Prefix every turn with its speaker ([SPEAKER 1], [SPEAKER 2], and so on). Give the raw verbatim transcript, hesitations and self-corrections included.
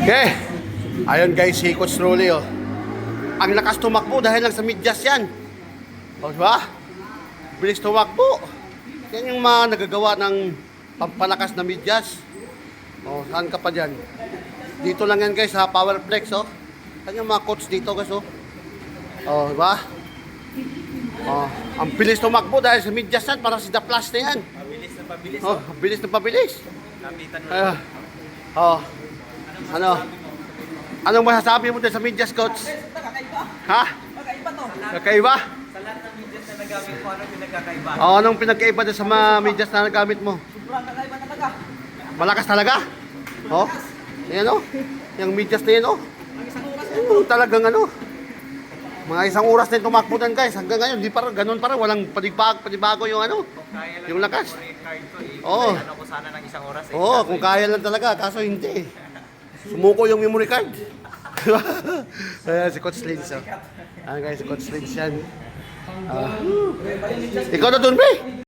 [SPEAKER 1] Okay. Ayun guys, si Coach Rolly oh. Ang lakas tumakbo dahil lang sa medyas yan. O diba? Bilis tumakbo. Yan yung mga nagagawa ng pampalakas na medyas. O, saan ka pa dyan? Dito lang yan guys sa Powerflex oh. Yan yung mga coach dito guys oh. O, diba? O, ang bilis tumakbo dahil sa medyas yan. Parang si The Flash na yan.
[SPEAKER 2] Pabilis na pabilis.
[SPEAKER 1] Oh, bilis na pabilis.
[SPEAKER 2] Kapitan mo.
[SPEAKER 1] Uh, oh. Ano? Anong masasabi mo din sa medyas, coach? Ha?
[SPEAKER 3] Magkaiba to.
[SPEAKER 1] Kakaiba?
[SPEAKER 2] Sa lahat ng medyas na nagamit ko, ano yung nagkakaiba?
[SPEAKER 1] Oh, anong pinagkaiba din sa mga medyas na nagamit mo?
[SPEAKER 3] Sobrang kakaiba talaga.
[SPEAKER 1] Malakas talaga? Oh? Yan oh. Yung medyas na yan oh.
[SPEAKER 3] Ang isang oras
[SPEAKER 1] Oh, talagang ano. Mga isang oras na yung tumakbo din guys. Hanggang ngayon, di pa ganun pa rin. Walang panibago, panibago yung ano.
[SPEAKER 2] Kaya lang
[SPEAKER 1] Yung lakas.
[SPEAKER 2] card ko eh.
[SPEAKER 1] Oo.
[SPEAKER 2] Ano ko sana ng isang oras eh.
[SPEAKER 1] Oo, oh, kung kaya lang talaga. Kaso hindi. Sumuko yung memory card. Ayan, si Coach Lins. Oh. Ayan guys, si Coach Lins yan. Ah. Ikaw na dun, be.